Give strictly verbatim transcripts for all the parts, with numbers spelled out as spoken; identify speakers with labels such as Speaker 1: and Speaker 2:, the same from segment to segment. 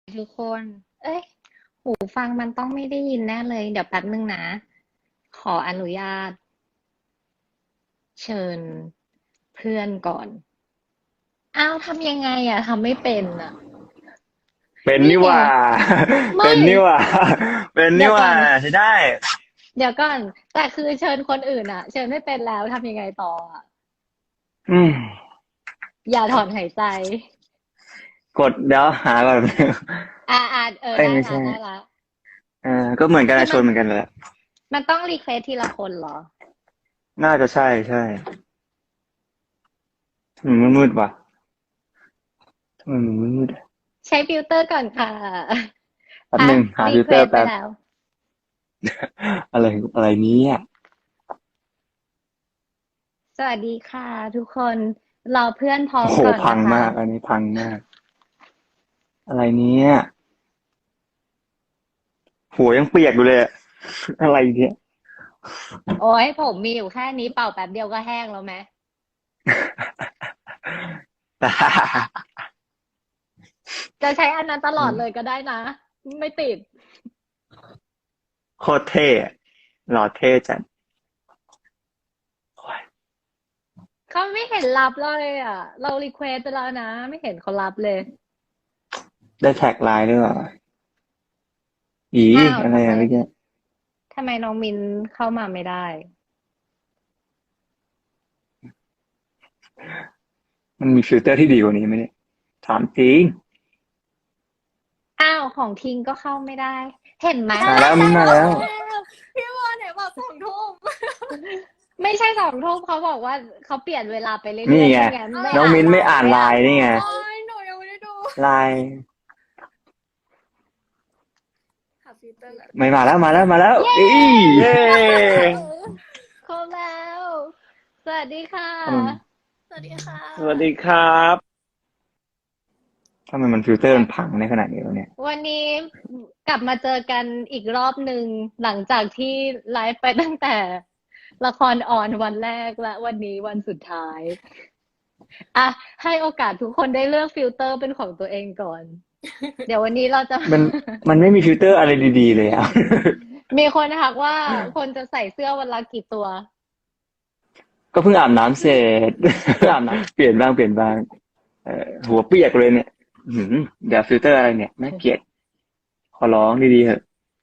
Speaker 1: ทุกคน เอ้ย หูฟังมันต้องไม่ได้ยินแน่เลย เดี๋ยวแป๊บนึงนะ ขออนุญาตเชิญเพื่อนก่อน อ้าวทำยังไงอะทำไม่เป็นอะ
Speaker 2: เป็น
Speaker 1: นี่ไง
Speaker 2: นี่หว่า
Speaker 1: ไม่
Speaker 2: เป็นนี่หว่า เป็น
Speaker 1: เดี๋ยวก่
Speaker 2: นี่หว่า
Speaker 1: อน
Speaker 2: ใช่ได้
Speaker 1: เดี๋ยวก่อน แต่คือเชิญคนอื่นอะเชิญไม่เป็นแล้วทำยังไงต่ออะ
Speaker 2: อืม
Speaker 1: อย่าถอนหายใจ
Speaker 2: กดเดี๋ยวหาก่อน
Speaker 1: อ่าอ่าเออ
Speaker 2: เอ้ย
Speaker 1: ได้
Speaker 2: ไม่ใช่
Speaker 1: ละได้ละ
Speaker 2: เออก็เหมือนกัน
Speaker 1: คือมัน
Speaker 2: นะชวนเหมือนกันแหละ
Speaker 1: มันต้องรีเควสทีละคนเหรอ
Speaker 2: น่าจะใช่ใช่ทำไมมันมืดวะทำไมมันมืดอะ
Speaker 1: ใช้ฟิลเตอร์ก่อนค่ะ
Speaker 2: แป๊บ
Speaker 1: อ่ะ
Speaker 2: หนึ่งหา
Speaker 1: รี
Speaker 2: ฟิล
Speaker 1: เควสไป
Speaker 2: เตอร์แป๊บ
Speaker 1: แล้ว
Speaker 2: อะไรอะไรเนี้อ่ะ
Speaker 1: สวัสดีค่ะทุกคนรอเพื่อนพร้อ
Speaker 2: โอ้โห
Speaker 1: มก่อน
Speaker 2: พัง
Speaker 1: นะคะ
Speaker 2: มากอันนี้พังมากอะไรเนี้ยหัวยังเปียกอยู่เลยอะอะไรเนี้ย
Speaker 1: โอ้ยผมมีอยู่แค่นี้เป่าแป๊บเดียวก็แห้งแล้วไหมจะใช้อันนั้นตลอดเลยก็ได้นะ ไม่ติด
Speaker 2: โคตรเท่อะหล่อเท่จัดโอ้ย
Speaker 1: เขาไม่เห็นรับเลยอ่ะ เรารีเควสไปแล้วนะ ไม่เห็นเขารับเลย
Speaker 2: ได้แท็กไลน์ด้วยเหรออี
Speaker 1: อ้าว
Speaker 2: อะไร
Speaker 1: ทำไม
Speaker 2: อะเมื่อกี้
Speaker 1: ทำไมน้องมินเข้ามาไม่ได้
Speaker 2: มันมีฟิลเตอร์ที่ดีกว่านี้ไหมเนี่ยถามจริง
Speaker 1: อ้าวของทิงก็เข้าไม่ได้ เห็นไหม
Speaker 2: มาแล้ว
Speaker 1: ไม่ใช่
Speaker 2: มินมาแล้ว
Speaker 3: พี่วอนไหนบอกสองทุ่ม
Speaker 1: ไม่ใช่สองทุ่มเขาบอกว่าเขาเปลี่ยนเวลาไปเรื่
Speaker 2: นี่
Speaker 1: อยๆ
Speaker 2: ไง
Speaker 1: ไม่งั้นไม่
Speaker 2: น้อง
Speaker 1: อ่านไล
Speaker 2: มินไม่อ่าน
Speaker 1: น์ไม่
Speaker 2: ไล
Speaker 1: อ่านไลน์
Speaker 2: น์นี่ไง
Speaker 3: โอ้ยหนูยังไม่ได้ดู
Speaker 2: ไลน์
Speaker 3: หาฟิลเตอร์ก่อน
Speaker 2: ไม่มาแล้วมาแล้วมาแล้วอีเย้
Speaker 1: ครบแล้ว สวัสดีค่ะ
Speaker 2: ทำไม
Speaker 3: สวัสดีค่ะ
Speaker 4: สวัสดีครับ
Speaker 2: ทำไมมันฟิลเตอร์มันพังในขนาดนี้วะเนี่ย
Speaker 1: วันนี้กลับมาเจอกันอีกรอบหนึ่งหลังจากที่ไลฟ์ไปตั้งแต่ละครออนวันแรกและวันนี้วันสุดท้าย อ่ะ ให้โอกาสทุกคนได้เลือกฟิลเตอร์เป็นของตัวเองก่อน เดี๋ยววันนี้เราจะ
Speaker 2: มันมันไม่มีฟิลเตอร์อะไรดีๆเลยอ่ะ
Speaker 1: มีคนทักว่าคนจะใส่เสื้อวันละกี่ตัว
Speaker 2: ก็เพิ่งอาบน้ำเสร็จ เพิ่งอาบน้ำเปลี่ยนบ้างเปลี่ยนบ้างเอ่อหัวเปียกเลยเนี่ยหืมเดี๋ยวฟิลเตอร์อะไรเนี่ยน่าเกลียดขอร้องดีๆเถอะ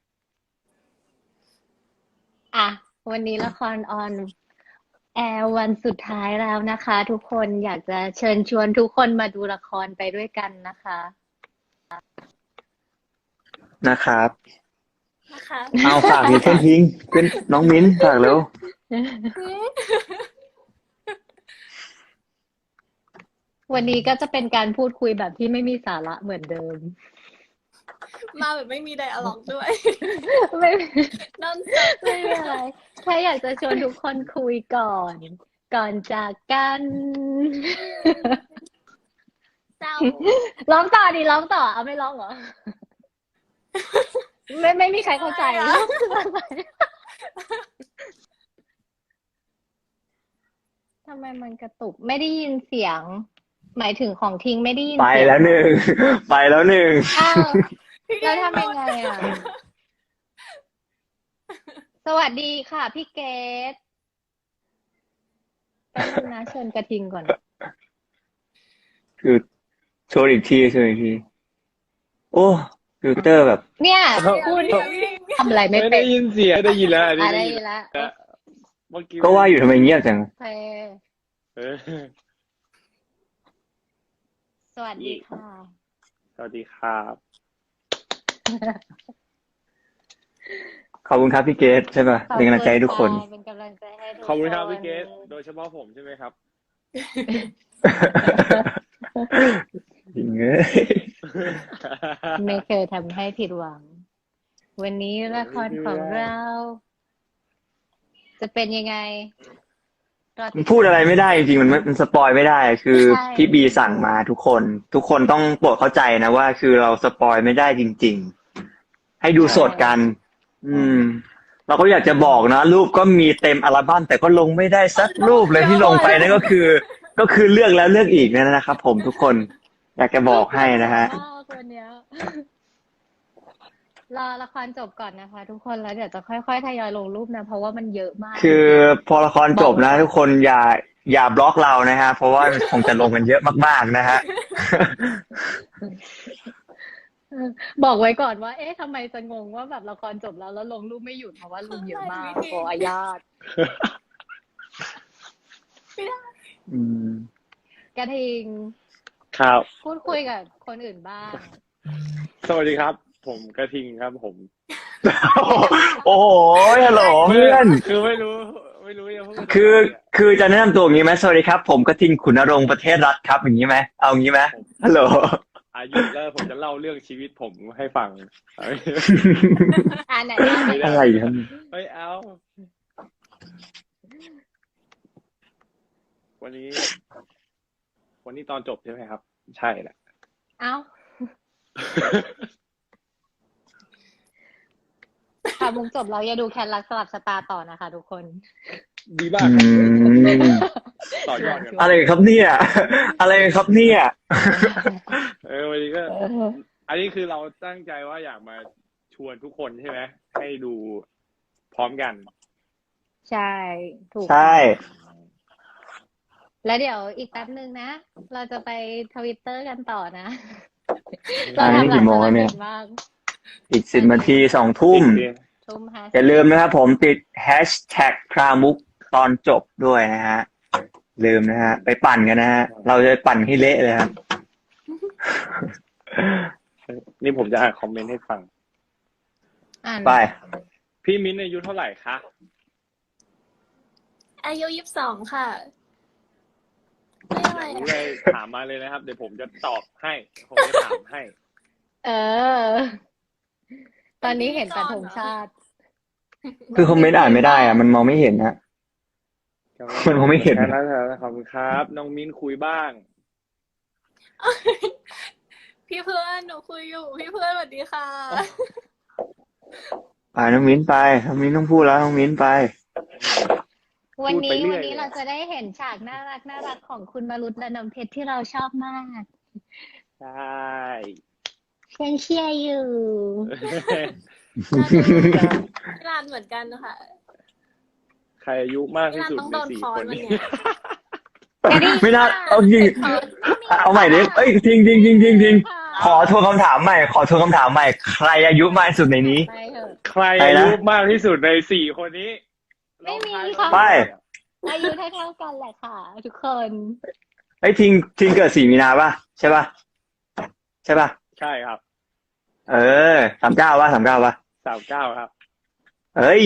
Speaker 1: อ่ะ วันนี้ละครออนแอร์วันสุดท้ายแล้วนะคะ ทุกคนอยากจะเชิญชวนทุกคนมาดูละครไปด้วยกันนะคะ
Speaker 2: นะครับ
Speaker 3: นะคะ
Speaker 2: เอาฝากมีเพื่อนทิ้งเป็นน้องมิ้นฝากเร็ว
Speaker 1: วันนี้ก็จะเป็นการพูดคุยแบบที่ไม่มีสาระเหมือนเดิม
Speaker 3: มาแบบไม่มีไดอะล็อกด้วย
Speaker 1: ไม่
Speaker 3: นอนสด
Speaker 1: ไม่เป็นไรแค่อยากจะชวนทุกคนคุยก่อน ก่อนจากกัน
Speaker 3: เศร้า
Speaker 1: ร้องต่อดิร้องต่อเอาไม่ร้องเหรอ ไม่ไม่มีใครเข้าใจ
Speaker 3: อะไรอะ
Speaker 1: ทำไมมันกระตุกไม่ได้ยินเสียง หมายถึงของทิ้งไม่ได้ยิน
Speaker 2: ไป
Speaker 1: เสียง
Speaker 2: แล้วหนึ่ง ไปแล้วหนึ่ง
Speaker 1: อ้าว
Speaker 3: พี่
Speaker 1: แล้วทำยังไงอ่ะ สวัสดีค่ะพี่เกดแป๊บนึงนะเชิญกระทิงก่อน
Speaker 2: คือโชว์อีกทีโชว์อีกที โอ้ฟิลเตอร์แบบ
Speaker 1: เนี่ย
Speaker 4: เอ้า
Speaker 1: พูด
Speaker 3: พี่พี่
Speaker 1: ทำอะไรไม่
Speaker 4: ไม่
Speaker 1: เป็
Speaker 4: ได้
Speaker 1: น
Speaker 4: ยินเสียงได้ยินแล้วอันนี้
Speaker 1: อ่ะ
Speaker 4: ได้
Speaker 1: ได้
Speaker 4: ยิน
Speaker 1: ยินแล้ว
Speaker 4: แล้วเมื่อกี้
Speaker 2: ก็ว่าอยู่ทำไมเงียบจัง
Speaker 1: โอเค
Speaker 4: เออ
Speaker 1: สวัสดีค่ะ
Speaker 4: สวัสดีครับ
Speaker 2: ขอบคุณครับพี่เกตใช่ป่ะเป็นกำลังใจให้ทุกคน
Speaker 1: ขอบณะเป็นกำลังใจให้ทุก
Speaker 4: ขอบคุณครับพี่
Speaker 1: น
Speaker 4: เกสโดยเฉพาะผมใช่ไหมครับ
Speaker 2: จริงเอ้ย
Speaker 1: ไม่เคยทำให้ผิดหวัง วันนี้ละครของเรา จะเป็นยังไงรอติ
Speaker 2: มั
Speaker 1: ด
Speaker 2: นพูดอะไรไม่ได้จริงๆมันไม่มันสปอยไม่ได้ คือ
Speaker 1: ใช่
Speaker 2: พี่บีสั่งมาทุกคน ทุกคนต้องโปรดเข้าใจนะว่า คือเราสปอยไม่ได้จริง ๆ ให้ดูสดกัน อืม เราก็อยากจะบอกนะ รูปก็มีเต็มอัลบั้มแต่ก็ลงไม่ได้สักรูปเลยที่ลงไปนั่นก็คือ ก็คือเลือกแล้วเลือกอีกนั่นนะครับผมทุกคน อยากจะบอกให้นะฮะ
Speaker 1: มากวันเนี้ยรอละครจบก่อนนะคะทุกคนแล้วเดี๋ยวจะค่อยๆทยอยลงรูปนะเพราะว่ามันเยอะมากจ
Speaker 2: คือ
Speaker 1: ริง
Speaker 2: พอละคร
Speaker 1: ๆบ
Speaker 2: จบ
Speaker 1: อกไว้ก่อน
Speaker 2: นะทุกคนอย่าอย่าบล็อกเรานะฮะเพราะว่าคงจะลงกันเยอะมากๆนะฮะ
Speaker 1: เออบอกไว้ก่อนว่าเอ๊ะทำไมจะงงว่าแบบละครจบแล้วแล้วลงรูปไม่หยุดเพราะว่ารูปเยอะ
Speaker 3: อะไร
Speaker 1: มา
Speaker 3: วิ
Speaker 1: ก
Speaker 3: ธี
Speaker 1: ขออนุญาต
Speaker 3: ไม่ได้
Speaker 2: อืม
Speaker 1: กระทิง
Speaker 4: ครับ
Speaker 1: พูดคุยกับคนอื่นบ้าง
Speaker 4: สวัสดีครับ ผมกระทิงครับ ผม
Speaker 2: โอ้โหฮัลโหลเพื่อน
Speaker 4: คือไม่รู้ ไม่รู้จะพูดอะไร
Speaker 2: คือ
Speaker 4: อ่ะ
Speaker 2: คือจะแนะนำตัวอย่างนี้ไหมสวัสดีครับ ผมกระทิงขุนนรงค์ประเทศรัฐครับอย่างนี้ไหมเอางี้ไหม
Speaker 4: ผม
Speaker 2: ฮัลโหล
Speaker 4: อายุแล้วผมจะเล่าเรื่องชีวิตผมให้ฟัง
Speaker 1: อ่าไหนเล่า
Speaker 4: ไม่
Speaker 1: ให้
Speaker 4: ได้
Speaker 2: อะไรครับ
Speaker 4: เฮ้ยเอา วันนี้ วันนี้ตอนจบใช่ไหมครับ ใช่แหละ
Speaker 1: เอ้าค่ะมุกจบแล้วอย่าดูแคนรักสลับชะตาต่อนะคะทุกคน
Speaker 4: ดีมา
Speaker 2: อื
Speaker 4: กครับ
Speaker 2: ม
Speaker 4: ต่อยอดกัน
Speaker 2: อะไรครับเนี่ย อะไรครับเนี่ย
Speaker 4: เออวันนี้ก็
Speaker 1: เออ
Speaker 4: อันนี้คือเราตั้งใจว่าอยากมาชวนทุกคนใช่ไหมให้ดูพร้อมกัน
Speaker 1: ใช่ถูก
Speaker 2: ใช่
Speaker 1: แล้วเดี๋ยวอีกแป๊บนึงนะ เราจะไปทวิตเตอร์กันต่อนะ
Speaker 2: อ่า
Speaker 1: เรา
Speaker 2: นี่
Speaker 1: ทำหลา
Speaker 2: กี่
Speaker 1: ย
Speaker 2: โมง
Speaker 1: ภาร
Speaker 2: แล้วเนี่
Speaker 1: กิ
Speaker 2: ย
Speaker 1: จมาก
Speaker 2: อีกสิบนาทีสองทุ่ม
Speaker 1: ทุ่มห้าสิบ
Speaker 2: อย่าลืมนะครับผมติดแฮชแท็กพรามุกตอนจบด้วยนะฮะ ลืมนะฮะ ไปปั่นกันนะฮะ เราจะปั่นให้เละเลยครับ
Speaker 4: นี่ผมจะอ่านคอมเมนต์ให้ฟัง
Speaker 1: อ่าน
Speaker 2: ไป
Speaker 4: พี่มิ้นท์อายุเท่าไหร่คะ
Speaker 3: อายุยี่สิบสองค่ะไม่อะไร
Speaker 4: อยากรู้
Speaker 3: อะ
Speaker 4: เลยถามมาเลยนะครับ เดี๋ยวผมจะตอบให้ ผมจะถามให้
Speaker 1: เออ ตอนนี้เห็นแต่ธงชาติ
Speaker 2: คือคอมเมนต์อ่านไม่ได้อะมันมองไม่เห็นฮะ มันคงไม่เห็น
Speaker 4: แค่นั้นแหละขอบคุณครับ น้องมิ้นคุยบ้าง
Speaker 3: พี่เพื่อนหนูคุยอยู่ พี่เพื่อนสวัสดีค่ะ
Speaker 2: ไปน้องมิ้นไปน้องมิ้นต้องพูดแล้วน้องมิ้นไป
Speaker 1: วัน
Speaker 4: พูดไป
Speaker 1: นี้
Speaker 4: เรื่
Speaker 1: วั
Speaker 4: อน ย
Speaker 1: นี้
Speaker 4: เลย
Speaker 1: เราจะได้เห็นฉากน่ารักน่ารักของคุณมารุตและน้ำเพชรที่เราชอบมาก
Speaker 4: ใช่
Speaker 1: ยังเชียร์อยู่
Speaker 3: พี่รานเหมือนกันนะคะ
Speaker 4: ใครอายุมาก
Speaker 3: พี่
Speaker 4: ที่
Speaker 3: ราน
Speaker 4: สุด
Speaker 3: ต้อง
Speaker 4: ใน
Speaker 3: โดน
Speaker 4: สี่
Speaker 3: ค้อ
Speaker 4: คน น
Speaker 3: วัน
Speaker 4: นี้
Speaker 3: เนี้ย
Speaker 2: ไม่น่าเอาจริง เอาใหม่ดิเอ้ยจริงจริงจริงจริงจริงขอทวนคำถามใหม่ ขอทวนคำถามใหม่ ใครอายุมากที่สุดในนี้
Speaker 1: ไปเถอะ
Speaker 4: ใครอายุมากที่สุดในสี่คนนี้
Speaker 1: ไม่มี
Speaker 4: ลองทาย
Speaker 1: ค่ะ
Speaker 2: ไป
Speaker 1: อายุเท่าๆกันแหละค่ะ ทุกคน
Speaker 2: ไอ้ยทิงทิงเกิดสี่มีนาป่ะใช่ป่ะใช่ป่ะ
Speaker 4: ใช่ครับ
Speaker 2: เออสามเก้าป่ะสามเก้าป่ะ
Speaker 4: สามเก้าครับ
Speaker 2: เอ้ย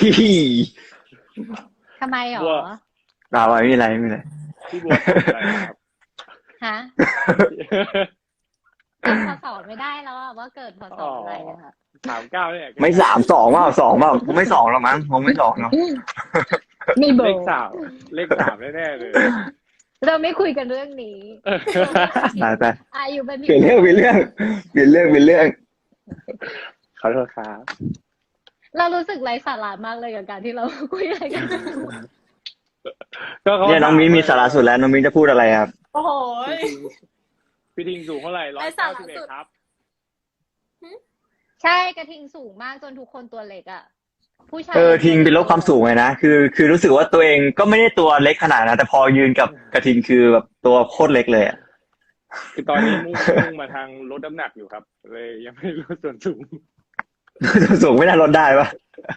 Speaker 1: ทำไมหรอ
Speaker 4: บัว
Speaker 2: เราไม่มีอะไรไม่มีอะไร
Speaker 4: พี่บัวตอบอะไรครับ
Speaker 1: ฮะจำพศไม่ได้แล้วอะว่าเกิดพศอะไรอะค่ะ
Speaker 4: สามเก้าเนี่ย
Speaker 2: ไม่สามสองว่าสองว่าผมไม่สองหรอกมั้งผมไม่สองหรอก
Speaker 1: ไม่บอ
Speaker 4: เล
Speaker 1: ก
Speaker 4: ขสามเลขสามแน่ๆเลย
Speaker 1: เราไม่คุยกันเรื่องนี้
Speaker 2: ไปไป
Speaker 1: อายุเป็น
Speaker 2: เปลี่ยนเรื่องเปลี่ยนเรื่องเปลี่ยนเรื่องเปลี่ยนเรื่อง
Speaker 4: ขอโทษครับ
Speaker 1: เรารู้สึกไร้สาระมากเลยกับการที่เราคุยอะไรกัน
Speaker 4: ก็เขา
Speaker 2: เนี่ยน้องมิ้นมีสาระสุดแล้วน้องมิ้นจะพูดอะไรครับ
Speaker 3: โอ้โห
Speaker 4: พี่ทิงสูงเท่าไหร่ร้อย
Speaker 3: ไร้สา
Speaker 4: เก้า
Speaker 3: ระ
Speaker 4: สิบเอ็ด
Speaker 3: สุด
Speaker 4: ครับ
Speaker 1: ใช่กระทิงสูงมากจนทุกคนตัวเล็กอ่ะ ผู้ชาย
Speaker 2: เออทิงเป็นลดความสูงเลยนะคือ คือรู้สึกว่าตัวเองก็ไม่ได้ตัวเล็กขนาดนั้นแต่พอยืนกับกระทิงคือแบบตัวโคตรเล็กเลยอะ
Speaker 4: คือตอนนี้มุ่งมุ่งมาทางลดน้ำหนักอยู่ครับ เลยยังไม่รู้ส่วนสูง
Speaker 2: ตัวสูงไม่น่าลดได้ปะ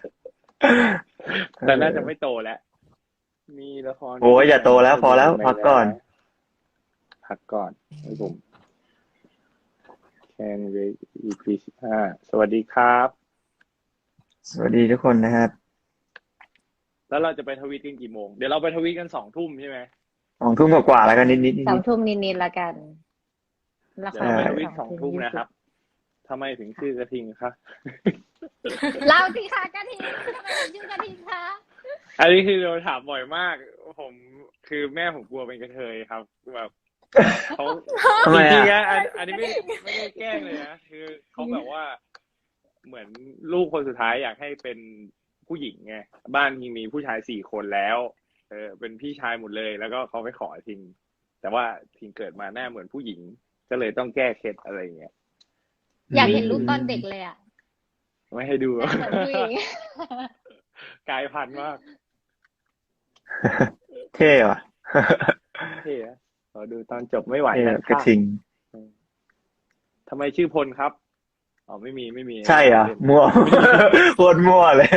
Speaker 4: แต่น่าจะไม่โตแล้ว มีละคร
Speaker 2: โอ้ยอย่าโตแล้วพอแล้วพักก่อน
Speaker 4: พักก่อนให้ผมแคนเว อี พี สิบห้าสวัสดีครับ
Speaker 2: สวัสดีทุกคนนะครับ
Speaker 4: แล้วเราจะไปทวีตกันกี่โมง เดี๋ยวเราไปทวีตกันสองทุ่มใช่ไหม
Speaker 2: สองทุ่มกว่าๆแล้วกันนิดๆนิด
Speaker 1: สองทุ่มนิดๆละกันละค
Speaker 4: เดี๋ยว
Speaker 1: ร
Speaker 4: เราไปทวีต
Speaker 1: ส
Speaker 4: ส
Speaker 1: อ
Speaker 4: อง ง
Speaker 1: ทุ่
Speaker 4: ทุ่
Speaker 1: ม
Speaker 4: มนะครับทำไมถึงชื่อกระทิงคะ
Speaker 1: เล่าสิคะกระทิงทำไมถึงชื่อกระทิงคะ
Speaker 4: อันนี้คือเราถามบ่อยมาก ผมคือแม่ผมกลัวเป็นกระเทยครับแบบเขา
Speaker 2: ทำไม
Speaker 4: จริงๆ
Speaker 2: อ่ะ
Speaker 4: นะอันอันนี้ไม่ไม่ได้แกล้งเลยนะคือเขาแบบว่าเหมือนลูกคนสุดท้ายอยากให้เป็นผู้หญิงไงบ้านทิงมีผู้ชายสี่คนแล้ว เออเป็นพี่ชายหมดเลย แล้วก็เขาไปขอทิง แต่ว่าทิงเกิดมาหน้าเหมือนผู้หญิง ก็เลยต้องแก้เคล็ดอะไรอย่างเงี้ย
Speaker 1: อยากเห็นรูปตอนเด็กเลยอ่ะ
Speaker 4: ไม่ให้ดู
Speaker 1: หน้าเหมือนผู้หญิง
Speaker 4: กลายพันธุ์มาก
Speaker 2: เท่ว่ะ
Speaker 4: เท่อะขอดูตอนจบไม่ไหว
Speaker 2: เท่
Speaker 4: แล้ว
Speaker 2: กระทิง
Speaker 4: ทำไมชื่อพลครับอ๋อไม่มีไม่มี
Speaker 2: ใช่เหรอ่ะ
Speaker 4: เล่น
Speaker 2: มั่ว โคตรมั่วเลย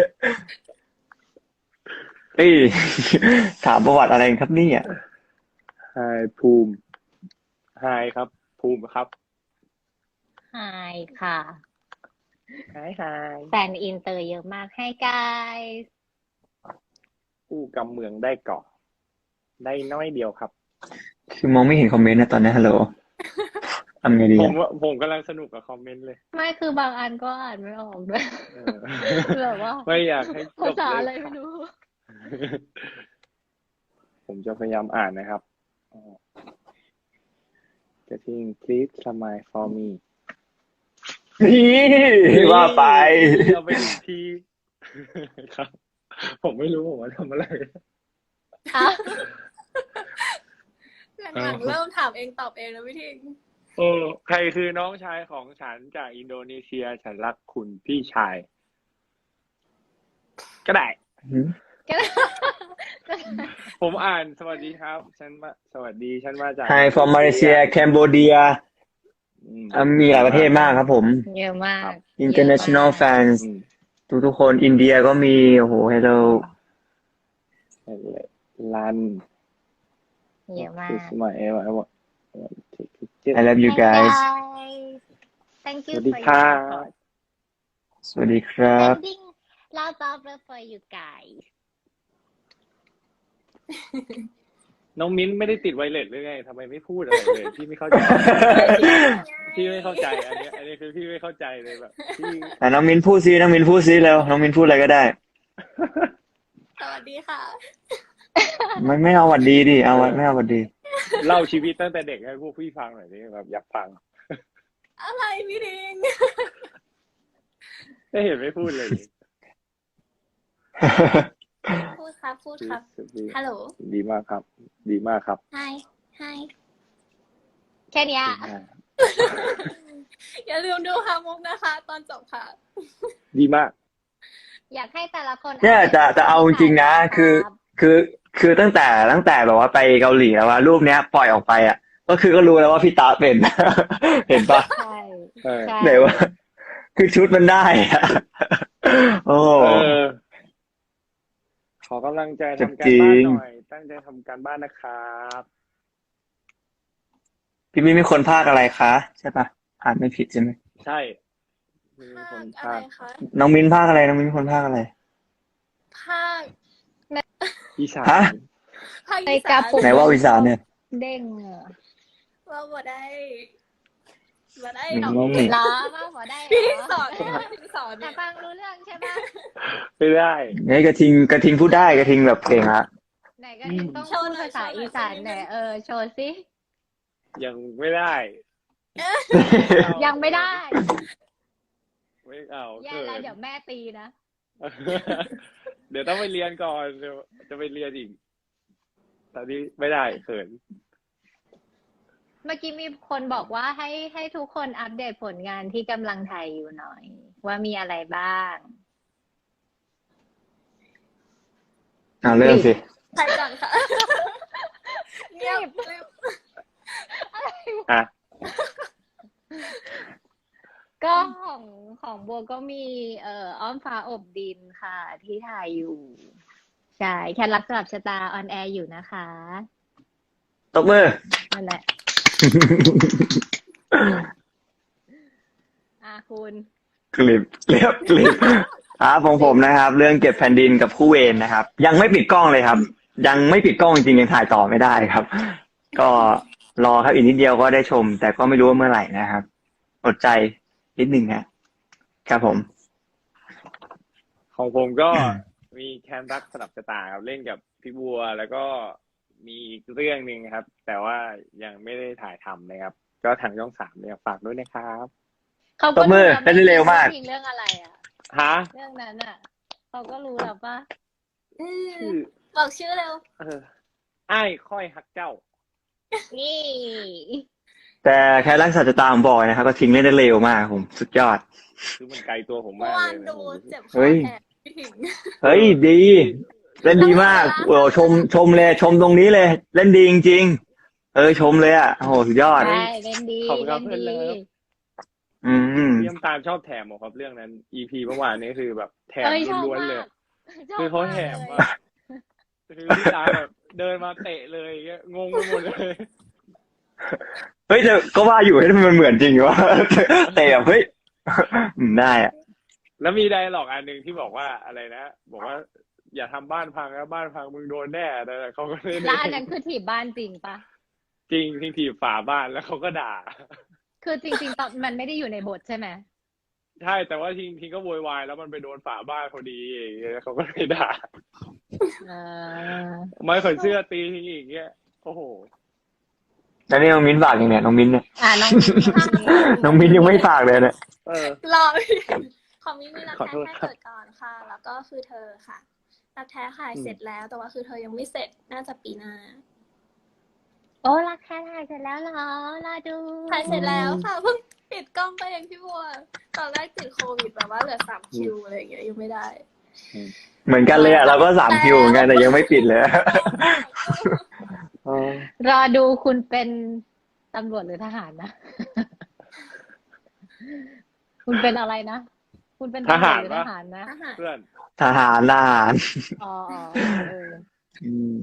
Speaker 2: เอ้ย ถามประวัติอะไรครับเนี่ย
Speaker 4: ไฮภูมิไฮครับ ภูมิครับ
Speaker 1: ไฮค่ะ
Speaker 4: ไฮไฮ
Speaker 1: แฟนอินเตอร์เยอะมากให้กาย
Speaker 4: ผู้กำเมืองได้ก่อได้น้อยเดียวครับ
Speaker 2: คือมองไม่เห็นคอมเมนต์นะตอนนี้ฮัลโหลทำไงดี
Speaker 4: ผ
Speaker 2: อะ
Speaker 4: มว่าผมกำลังสนุกกับคอมเมนต์เลย
Speaker 1: ไม่คือบางอันก็อ่านไม่ออกด้วย
Speaker 4: เออ
Speaker 1: แบบว่า
Speaker 4: ไม่อยากให้จ
Speaker 1: ภา
Speaker 4: บ
Speaker 1: ษา
Speaker 4: เล
Speaker 1: อะไร
Speaker 4: ย
Speaker 1: ไม่รู้
Speaker 4: ผมจะพยายามอ่านนะครับกระทิง please smile for me
Speaker 2: นี่ว่าไป
Speaker 4: เราไปดูทีครับ ผมไม่รู้ผมว่าทำอะไร
Speaker 1: อ่ะ
Speaker 3: หลังๆเริ่มถามเองตอบเองแล้วพี่ทิง
Speaker 4: โอ้ใครคือน้องชายของฉันจากอินโดนีเซีย ฉันรักคุณพี่ชาย ก็ได้
Speaker 1: ก็ได้
Speaker 4: ผมอ่านสวัสดีครับ ฉันมาสวัสดี ฉันมาจาก
Speaker 2: Hi from Malaysia Cambodia
Speaker 4: อืม
Speaker 2: อ่ะมีหลายประเทศมากครับผม
Speaker 1: เยอะมาก
Speaker 2: International fans
Speaker 4: อืม
Speaker 2: ทุกทุกๆคนอินเดียก็มี โอ้โห hello
Speaker 4: ลัน
Speaker 1: เยอะมาก
Speaker 4: คือสมัยเอวไอว
Speaker 2: I love you
Speaker 1: Hi
Speaker 2: guys
Speaker 1: guys thank
Speaker 4: ส
Speaker 1: you
Speaker 4: วัสดี
Speaker 1: for
Speaker 4: ครั
Speaker 1: your
Speaker 4: บ
Speaker 1: support
Speaker 2: สวัสดีครับ
Speaker 1: sending lots of love for you guys
Speaker 4: น้องมิ้นไม่ได้ติดไวเลสหรือไงทำไมไม่พูดอะไรเลย พี่ไม่เข้าใจ พี่ไม่เข้าใจ อันนี้ อันนี้คือพี่ไม่เข้าใจเลยแบบพี่
Speaker 2: อ่ะน้องมินพูดซิน้องมินพูดซิแล้วน้องมินพูดอะไรก็ได้
Speaker 3: สวัสดีค่ะ
Speaker 2: ไม่ไม่เอาหวัดดีดิเอาไว้ไม่เอาหวัดดี
Speaker 4: เล่าชีวิตตั้งแต่เด็กให้พวกพี่ฟังหน่อยดิแบบอยากฟัง
Speaker 3: อะไรพี่ทิง
Speaker 4: ไม่เห็นไม่พูดเลย
Speaker 3: พูดครับพูดครับ ฮัลโหล
Speaker 4: ดีมากครับ ดีมากครับ
Speaker 3: Hi Hi
Speaker 1: แค่เนี้ย
Speaker 3: อย่าลืมดูฮามุกนะคะ ตอนจบค่ะ
Speaker 4: ดีมาก
Speaker 1: อยากให้แต่ละคน
Speaker 2: เนี่ยจะจะเอาจริงๆนะคือคือคือตั้งแต่ตั้งแต่แบบว่าไปเกาหลีแล้วว่ารูปเนี้ยปล่อยออกไปอ่ะ ก็คือก็รู้แล้วว่าพี่ตาเป็น เห็นปะ
Speaker 1: ใช่
Speaker 4: เออ
Speaker 1: ใช่
Speaker 2: ไหนว่า คือชุดมันได้อะโอ้
Speaker 4: เออ ขอกำลังใจทำการ
Speaker 2: จริ
Speaker 4: บ้าน
Speaker 2: ง
Speaker 4: หน่อย ตั้งใจทำการบ้านนะครับ
Speaker 2: พี่มิ้นมีคนภาคอะไรคะใช่ปะอ่านไม่ผิดใช่ไหม
Speaker 4: ใช่มี
Speaker 3: ภา
Speaker 4: คน
Speaker 3: คอะไร
Speaker 4: ภาค
Speaker 3: คะ
Speaker 2: น้องมิ้นภาคอะไรน้องมิ้นเป็นคนภาคอะไร
Speaker 3: ภาค
Speaker 4: อีสาน
Speaker 2: ฮะ
Speaker 3: ภาค
Speaker 1: ใน
Speaker 3: อี
Speaker 1: กา
Speaker 3: สาน
Speaker 1: ปุก
Speaker 2: ไหนว่าอีสานเนี่ย
Speaker 1: เด้งอะ
Speaker 3: ว่าบ่ได้บ่ได้
Speaker 2: อื
Speaker 3: หรอก
Speaker 2: ม
Speaker 1: เหรอว่าหัวได้เหร
Speaker 3: พี่ทิงส
Speaker 1: อ
Speaker 3: อนพี่ทิงสอน
Speaker 1: แต่
Speaker 3: เนี่ย
Speaker 1: ฟังรู้เรื่องใช่ปะ
Speaker 4: ไม่ได้
Speaker 2: ไงกระทิงกระทิงพูดได้กระทิงแบบเก่งอะ
Speaker 1: ไหนก็ทิงต้องพูดภาษาอีสานไหนเออโชว์สิ
Speaker 4: ยังไม่ได้
Speaker 1: ยังไม่ได้
Speaker 4: ไม่เอา
Speaker 1: แย่
Speaker 4: เกิ
Speaker 1: แล้ว
Speaker 4: น
Speaker 1: เดี๋ยวแม่ตีนะ
Speaker 4: เดี๋ยวต้องไปเรียนก่อนเดี๋ยวจะไปเรียนอีกตอนนี้ไม่ได้เขิน
Speaker 1: เมื่อกี้มีคนบอกว่าให้ให้ทุกคนอัปเดตผลงานที่กำลังถ่ายอยู่หน่อย ว่ามีอะไรบ้าง
Speaker 2: เอาเริ่มสิ
Speaker 3: ใครก่อนค่ะเงียบเงียบ
Speaker 4: อ่ะ
Speaker 1: ก็ของของบัวก็มีเอ่ออ้อมฟ้าอบดินค่ะ ที่ถ่ายอยู่ ใช่แค่รักสลับชะตาออนแอร์อยู่นะคะ
Speaker 2: ตบมือ
Speaker 1: นั่นแหละ อ่ะคุณ
Speaker 2: คลิปเรียบคลิปครับของผมนะครับ เรื่องเก็บแผ่นดินกับคู่เวรนะครับ ยังไม่ปิดกล้องเลยครับ ยังไม่ปิดกล้องจริงๆยังถ่ายต่อไม่ได้ครับ ก็รอครับอีกนิดเดียวก็ได้ชม แต่ก็ไม่รู้ว่าเมื่อไหร่นะครับอดใจนิดหนึ่งนะครับผม
Speaker 4: ของผมก็มีแคนรักสลับชะตาครับเล่นกับพี่บัวแล้วก็มีอีกเรื่องหนึ่งครับ แต่ว่ายังไม่ได้ถ่ายทำนะครับ ก็ทางช่องสามเนี่ยฝากด้วยนะครับ
Speaker 1: เขา
Speaker 2: ต
Speaker 1: ก็
Speaker 2: บมือ
Speaker 1: รู้แล้ว
Speaker 2: เล่นเร็วมาก
Speaker 1: ทิ้งเรื่องอะไรอ่ะ
Speaker 4: ฮะ
Speaker 1: เรื่องนั้นอ่ะเขาก็รู้แล้วปะ
Speaker 3: อืม
Speaker 4: ชื่อ
Speaker 3: บอกชื่อเร็ว
Speaker 4: เอออ้ายค่อยฮักเจ้า
Speaker 1: นี่
Speaker 2: จแต่แค่รักษาจะตามบอยนะครับก็ทิ้งเล่นได้เร็วมากผมสุดยอด
Speaker 4: คือมันไกลตัวผม
Speaker 3: เมื่
Speaker 4: มา
Speaker 3: อก วา
Speaker 4: เล
Speaker 3: น
Speaker 4: ยนะ
Speaker 3: ดู
Speaker 4: ผม
Speaker 3: เจ็บค
Speaker 2: เฮ้
Speaker 3: อย แทนพี่ถิง
Speaker 2: เฮ้ยดี เล่นดีมากโอ้ชมชมเลยชมตรงนี้เลย เล่นดีจริงๆเออชมเลยอ่ะโอ้โหสุดยอด
Speaker 1: ใช่เล่นดี
Speaker 4: ขอบคุณครั
Speaker 1: เล่
Speaker 4: บ
Speaker 1: น
Speaker 4: เพื่อน
Speaker 1: ดี
Speaker 4: เลิฟ
Speaker 2: อืม
Speaker 4: พี่น้ำตาลชอบแถมผมครับเรื่องนั้น อี พี เมื่อวานนี้คือแบบแถม
Speaker 1: เอ้ยชอบ
Speaker 4: ล้วนๆ
Speaker 1: มา
Speaker 4: เลย
Speaker 1: กชอบ
Speaker 4: คือเขา
Speaker 1: มาก
Speaker 4: แถม
Speaker 1: เลย
Speaker 4: อะคือพี่ตาลแบบเดินมาเตะเลยอย่างเงี้ยงงไปหมดเลย
Speaker 2: เฮ้ยแต่ก็ว่าอยู่ให้ยมันเหมือนจริงวะ แต่แบบเฮ้ยอืมได้อ่ะ
Speaker 4: แล้วมีไดอะล็อกอันหนึ่งที่บอกว่าอะไรนะ บอกว่า อย่าทำบ้านพังนะบ้านพังมึงโดนแน่แต่เขาก็เล่น
Speaker 1: แล้วอันนั้นคือถีบบ้านจริงปะ
Speaker 4: จริงทิ้งถีบฝาบ้านแล้วเขาก็ด่า
Speaker 1: คือจริงๆตอนมันไม่ได้อยู่ในบทใช่ไหม
Speaker 4: ใช่แต่ว่าทิ้งทิ้งก็โวยวายแล้วมันไปโดนฝาบ้านพอดีอย่างเงี้ยเขาก็เลยด่า
Speaker 1: เออ
Speaker 4: ไม้ขนเสื้อตีทิ้งอีกเงี้ยโอ้โห
Speaker 2: แล้วนี่น้องมิ้นฝากยังไงน้องมิ้นเนี่ย
Speaker 1: อ่าน้อง
Speaker 2: น้องมิ้นยังไม่ฝากเลยเนี่ย
Speaker 4: เออ
Speaker 3: รอของมินมีรัก
Speaker 4: ขอ
Speaker 3: แท้
Speaker 4: โทษ
Speaker 3: แค่
Speaker 4: ครับ
Speaker 3: เกิดก่อนค่ะ แล้วก็คือเธอค่ะรักแท้ถ่ายเสร็จแล้ว แต่ว่าคือเธอยังไม่เสร็จน่าจะปีหน้า
Speaker 1: โอ้รักแค่ถ่ายเสร็จแล้วเหรอรอดู
Speaker 3: ถ่ายเสร็จแล้วค่ะเพิ่งปิดกล้องไปเองพี่บัวตอนแรกติดโควิดแบบว่าเหลือสามคิวอะไรอย่างเงี้ยยังไม่ได้
Speaker 2: เหมือนกันเลยอ่ะเราก็สามคิวเหมือนกันแต่ยังไม่ปิดเลย
Speaker 1: รอดูคุณเป็นตำรวจหรือทหารนะ คุณเป็นอะไรนะ คุณเป็นตำรวจหรือทหารนะ
Speaker 3: ทหาร
Speaker 4: เพื่อน
Speaker 2: ทหารทหาร
Speaker 1: อ๋ออ๋อเออ
Speaker 2: อืม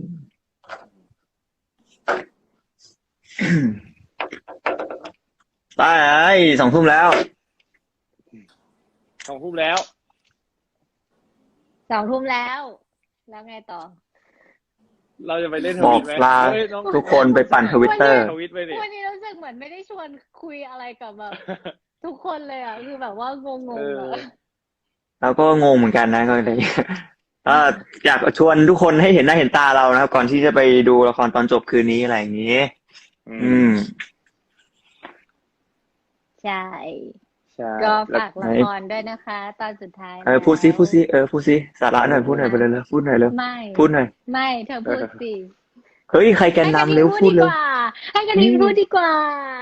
Speaker 2: ตายสองทุ่มแล้ว
Speaker 4: สองทุ่มแล้ว
Speaker 1: สองทุ่มแล้ว แล้วไงต่อ
Speaker 4: เราจะไปเล่นท
Speaker 2: บอ
Speaker 4: วิ
Speaker 2: ก
Speaker 4: ตไหม
Speaker 2: ลา
Speaker 4: เฮ้ยน้อง
Speaker 2: ทุกคนไปปั่นทวิตเตอร์
Speaker 4: ทวิตไปดิ
Speaker 1: วันนี้รู้สึกเหมือนไม่ได้ชวนคุยอะไรกับแบบ ทุกคนเลยอ่ะ คือแบบว่างง
Speaker 4: เอ
Speaker 1: ๆ
Speaker 4: อ
Speaker 1: อ่ะ
Speaker 2: เราก็งงเหมือนกันนะก็เลยเอ่ออยากชวนทุกคนให้เห็นหน้าเห็นตาเรานะครับ ก่อนที่จะไปดูละครตอนจบคืนนี้อะไรอย่างนี้ อืม
Speaker 1: ใช่
Speaker 4: ใช่
Speaker 1: ก็
Speaker 2: แล้ว
Speaker 1: ฝากละครด้วยนะคะ ตอนสุดท้าย
Speaker 2: เออพูดซิพูดซิเออพูดซิสาระหน่อยพูดหน่อยไปเลยเลยพูดหน่อยเลย
Speaker 1: ไม่
Speaker 2: พูดหน่อย
Speaker 1: ไม่เธอพูดสิ
Speaker 2: เฮ้ยใครแกนนำเร็ว
Speaker 1: ให้
Speaker 2: พูด
Speaker 1: ก
Speaker 2: เร็
Speaker 1: ระ
Speaker 2: ว
Speaker 1: ดิ่งพูดดีกว่า ให้กระดิ่งพูดดีกว่า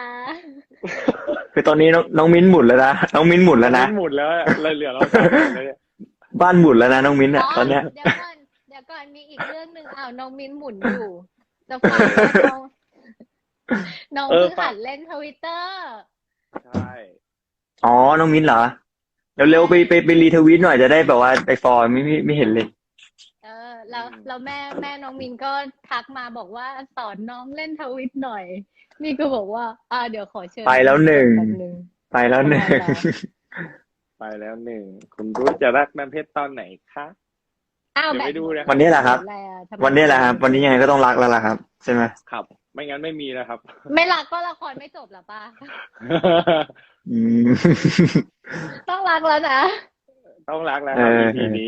Speaker 2: คือตอนนี้น้องน้องมิ้นหมุนแล้วนะน้องมิ้นหมุนแล้วนะ
Speaker 4: มิ้นหมุนแล้วอะเลยเหลือเราสามคนเลยเนี่ย
Speaker 2: บ้านหมุนแล้วนะน้องมิ้นอ่ะตอนเนี้ย
Speaker 1: เดี๋ยวก่อนเดี๋ยวก่อนมีอีกเรื่องหนึ่งอ้าวน้องมิ้นหมุนอยู่ จะฟังว่าน้องน้อง
Speaker 4: เออ
Speaker 1: เพิ่ง
Speaker 4: ฝาก
Speaker 1: หัดเล่นทวิตเตอร์
Speaker 4: ใช่
Speaker 2: อ๋อน้องมิ้นเหรอเร็วๆไปไปไปรีทวีตหน่อยจะได้แบบว่าไปฟอร์ไม่ไม่ไม่เห็นเลย
Speaker 1: เออ แล้วแล้วแม่แม่น้องมินก็ทักมาบอกว่าสอนน้องเล่นทวิตหน่อย นี่ก็บอกว่า อ่าเดี๋ยวขอเชิญ
Speaker 2: ไปแล้วหนึ่ง
Speaker 1: แป๊บนึง
Speaker 2: ไปแล้วหนึ่ง
Speaker 4: ไปแล้วหนึ่งคุณรู้จะรักน้ำเพชรตอนไหนคะ
Speaker 1: อ้าว
Speaker 4: เดี๋ยว
Speaker 1: แบบ
Speaker 4: ไปดูนะ
Speaker 2: วันนี้แหละครับ
Speaker 1: อะไรอะทำไม
Speaker 2: วันนี้แหละครับ วันนี้ยังไงก็ต้องรักแล้วล่ะครับ ใช่ไหม
Speaker 4: ครับ ไม่งั้นไม่มีนะครับ
Speaker 1: ไม่รักก็ละครไม่จบหรอป้า
Speaker 2: อืม
Speaker 1: ต้องรักแล้วนะ
Speaker 4: ต้องรักแล้ว
Speaker 2: เอ
Speaker 4: ครับ
Speaker 2: อ
Speaker 4: อี พีนี้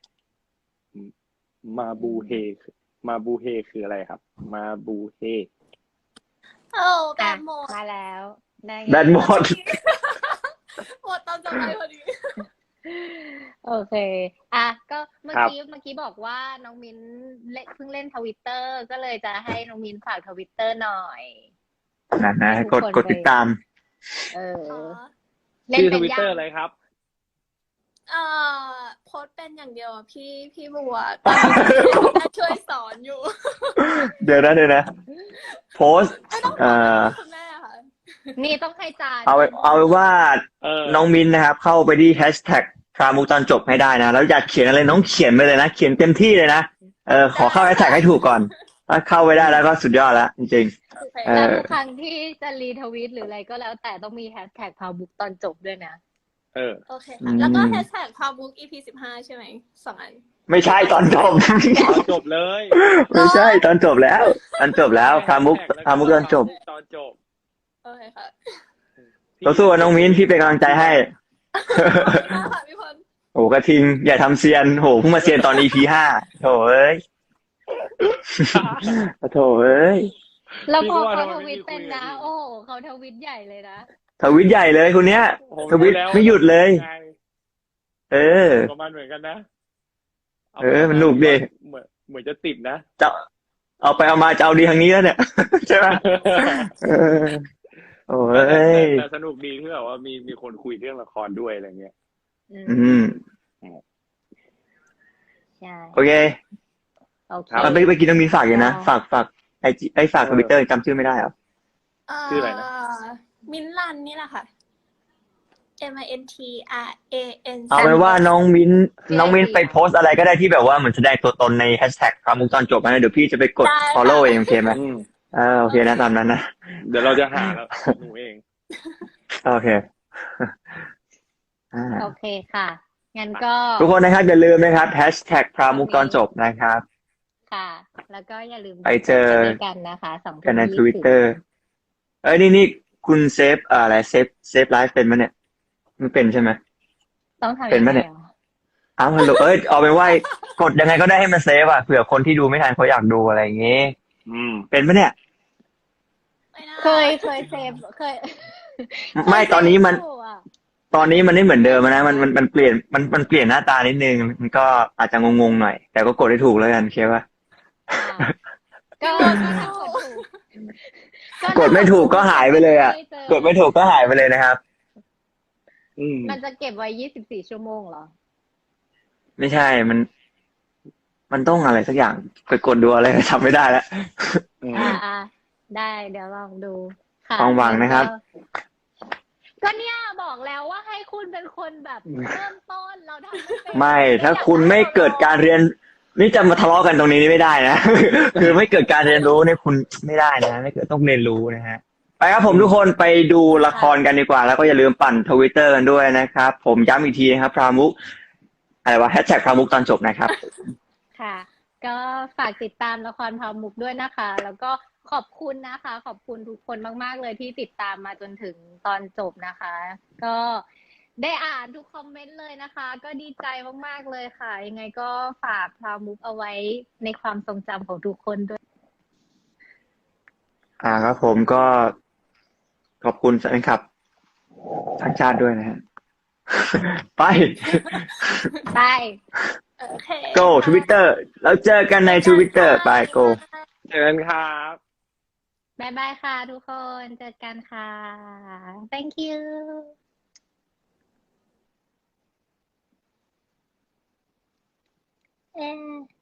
Speaker 4: มาบูเฮคือมาบูเฮคืออะไรครับ มาบูเฮ
Speaker 3: โอ้แบ
Speaker 1: อ่ะ
Speaker 3: บหมด
Speaker 1: มาแล้วได้ไง
Speaker 2: แบตหมด
Speaker 3: หมดตอนจะไปพอดี
Speaker 1: โอเค อ่ะ ก็เมื่อ
Speaker 4: ครับ
Speaker 1: กี้เมื่อกี้บอกว่าน้องมิ้นเล่นเพิ่งเล่นทวิตเตอร์ก็เลยจะให้น้องมิ้นฝากทวิตเตอร์หน่อย
Speaker 2: นะนะ
Speaker 1: ให้
Speaker 2: ก
Speaker 1: ทุ
Speaker 2: ด
Speaker 1: คน
Speaker 2: กดติดตาม
Speaker 1: เออ
Speaker 3: อ๋อ
Speaker 1: เล่น
Speaker 4: ชื่อ
Speaker 1: เป็
Speaker 4: ท
Speaker 1: น
Speaker 4: วิต
Speaker 1: ยั
Speaker 4: เตอง ร์อะไรครับ
Speaker 3: เอ่อโพสต์เป็นอย่างเดียวอะพี่พี่บัวตอนนี้แม่ช่วยสอนอยู่
Speaker 2: เดี๋ยวนะเดี๋ยวนะ โพสต์
Speaker 3: ไม่ต้อง
Speaker 2: เอ่อ
Speaker 3: คุณแม่ค่ะ
Speaker 1: นี่ต้องให้จาน
Speaker 2: เอาไว้เอาไว้ว่า
Speaker 4: เออ
Speaker 2: น้องมิ้นนะครับ เข้าไปที่แฮชแท็กพรามุกตอนจบให้ได้นะ แล้วอยากเขียนอะไรน้องเขียนไปเลยนะ เขียนเต็มที่เลยนะ เออขอเข้าแฮชแท็กให้ถูกก่อน ถ้าเข้าไปได้แล้วก็สุดยอดแล้วจริง
Speaker 3: โอเค
Speaker 2: เอ
Speaker 1: แล้ว
Speaker 2: อ
Speaker 1: ทุกครั้งที่จะรีทวีตหรืออะไรก็แล้วแต่ต้องมีแฮชแท็กพาวบุ๊กตอนจบด้วยนะ
Speaker 4: เออ
Speaker 3: โอเคค่ะ แล้วก็แฮชแท็กพาวบุ๊ก อี พี สิบห้าใช่ไหมสองอัน
Speaker 2: ๆ ไม่ใช่ตอนจบ
Speaker 4: ตอนจบเลย
Speaker 2: ไม่ใช่ตอนจบแล้ว ตอนจบแล้วพรามุกพรามุกตอนจบ
Speaker 4: ตอนจบ
Speaker 3: โอเคค่ะ
Speaker 2: เราสู้กับน้องมิ้นพี่เป็นกำลังใจให้
Speaker 3: ขอบคุณมากค่ะพี่พล
Speaker 2: โอ้กระทิง อย่าทำเซียนโหเพิ่งมาเซียนตอน อี พี ห้าโถเอ้ย โถเอ้ย
Speaker 1: แล้วพอ
Speaker 4: พี่ก็ว่า
Speaker 1: เขา
Speaker 4: ทำไม
Speaker 1: ท
Speaker 4: ไม่
Speaker 1: วิต
Speaker 4: มีคุย
Speaker 1: เป็นนะ
Speaker 4: กับพี่
Speaker 1: โอ้โหเขาทวิตใหญ่เลยนะ
Speaker 2: ทวิตใหญ่เลยคนเนี้ย
Speaker 4: ผม
Speaker 2: ทวิต
Speaker 4: รู้แล้ว
Speaker 2: ไม่หยุดเลย
Speaker 4: ไง
Speaker 2: เออ
Speaker 4: ประมาณเหมือนกันนะ
Speaker 2: เออมันหนุกดิ
Speaker 4: เหมือนเหมือนจะติดนะ
Speaker 2: จะเอาไปเอามาจะเอาดีทางนี้แล้วเนี่ย ใช่ไหมเออโอ้
Speaker 4: แต่แต่แต่
Speaker 2: ย
Speaker 4: แต่สนุกดีที่แบบว่ามีมีคนคุยเรื่องละครด้วยอะไรเงี้ย
Speaker 1: อื
Speaker 2: อื
Speaker 1: ม
Speaker 2: ม
Speaker 1: ใช่
Speaker 2: โอเค
Speaker 1: โอเค
Speaker 2: อ่ะไปไปกินต้องมีฝากอยู่นะ
Speaker 1: ได้
Speaker 2: ฝากฝากไอจีไอฝาก
Speaker 4: เอ
Speaker 2: ท
Speaker 4: อ
Speaker 2: วิตเตอร์จำชื่อไม่ได้เหรอ
Speaker 3: เอ่อ
Speaker 4: ชื่ออะไรนะ
Speaker 3: มินลันนี่แหละค่ะ M I N T R A N
Speaker 2: เอาเป็นว่าน้องมิ้นน้องมิ้นไปโพสต์อะไรก็ได้ที่แบบว่าเหมือนแสดงตัวตนในแฮชแท็กพามุกตอนจบนะเดี๋ยวพี่จะไปกด
Speaker 3: ได้ค่ะ
Speaker 2: follow เองโอเคไหม
Speaker 4: อืม
Speaker 2: เออโอเคนะตามนั้นนะ
Speaker 4: เดี๋ยวเราจะหาแล้วหนูเอง
Speaker 2: โอเคอ่า
Speaker 1: โอเคค่ะ งั้นก็
Speaker 2: ทุกคนนะครับอย่าลืมนะครับแฮชแท็กพามุกตอนจบนะครับ
Speaker 1: ค่ะ แล้วก็อย่าลืม
Speaker 2: ไปเจอ
Speaker 1: ไปด้วยกันนะคะสอง
Speaker 2: กันใน
Speaker 1: ทุ่ม
Speaker 2: ท
Speaker 1: ยี่
Speaker 2: วิต
Speaker 1: สิบ
Speaker 2: เตอร์เอ้ยนี่นี่คุณเซฟเอ่ออะไรเซฟเซฟไลฟ์เป็นมั้ยเนี่ยไม่เป็นใช่ไหม
Speaker 1: ต้องทำ
Speaker 2: เป็น
Speaker 1: ยัง
Speaker 2: ปะ
Speaker 1: ไง
Speaker 2: เนี่ย
Speaker 1: หรอ
Speaker 2: อ้าวฮัลโหลเอ้ยเอาเป็นว่ากดยังไงก็ได้ให้มันเซฟอ่ะเผื่อคนที่ดูไม่ทันเขาอยากดูอะไรอย่างงี้
Speaker 4: อืม
Speaker 2: เป็นปะเนี่ย
Speaker 3: ไม่ได้
Speaker 1: เคยเคยเซฟเคย
Speaker 2: ไม่ตอนนี้มัน
Speaker 1: เคยเซฟอยู่อะ
Speaker 2: ตอนนี้มันไม่เหมือนเดิมนะมันมันมันเปลี่ยนมันมันเปลี่ยนหน้าตานิดนึงมันก็อาจจะงงๆหน่อย แต่ก็กดได้ถูกแล้วกันเคป่ะ
Speaker 1: อ่าก็ก็ถ้ากดถูก
Speaker 2: กดไม่ถูกก็หายไปเลยอ่ะ
Speaker 1: ม่จอก
Speaker 2: ดไม่ถูกก็หายไปเลยนะครับ
Speaker 4: อืม
Speaker 1: มันจะเก็บไว้ยี่สิบสี่ชั่วโมงเหรอ
Speaker 2: ไม่ใช่มัน มันต้องอะไรสักอย่างไปกดดูอะไรทำไม่ได้แล้ว
Speaker 4: อืม
Speaker 1: อ่าอ่าได้เดี๋ยวลองดูค่ะ
Speaker 2: ความหวังนะครับ
Speaker 1: ก็เนี่ยบอกแล้วว่าให้คุณเป็นคนแบบเริ่มต้นเราทำไม่เป็น
Speaker 2: ไม่ถ้าคุณไม่เกิดการเรียน นี่จะมาทะเลาะกันตรงนี้นี่ไม่ได้นะ คือไม่เกิดการเรียนรู้เนี่ยคุณไม่ได้นะไม่เกิดต้องเรียนรู้นะฮะไปครับผมทุกคนไปดูละครกันดีกว่า แล้วก็อย่าลืมปั่นทวิตเตอร์กันด้วยนะครับ ผมย้ำอีกทีนะครับพรามุกอะไรวะแฮชแท็กพรามุกตอนจบนะครับ
Speaker 1: ค่ะ ก็ฝากติดตามละครพามุกด้วยนะคะ แล้วก็ขอบคุณนะคะ ขอบคุณทุกคนมาก ๆ เลยที่ติดตามมาจนถึงตอนจบนะคะ ก็ได้อ่านทุกคอมเมนต์เลยนะคะ ก็ดีใจมาก ๆ เลยค่ะ ยังไงก็ฝากพามุกเอาไว้ในความทรงจำของทุกคนด้วย
Speaker 2: อ่าครับผมก็ขอบคุณแฟนคลับทั้งชาติด้วยนะฮะ ไป
Speaker 1: ไป
Speaker 3: โอเค
Speaker 2: go Twitter แล้วเจอกันใน Twitter ไป go
Speaker 4: เจอกันครับ
Speaker 1: บายบายค่ะทุกคน เจอกันค่ะ thank you เอ๊ะ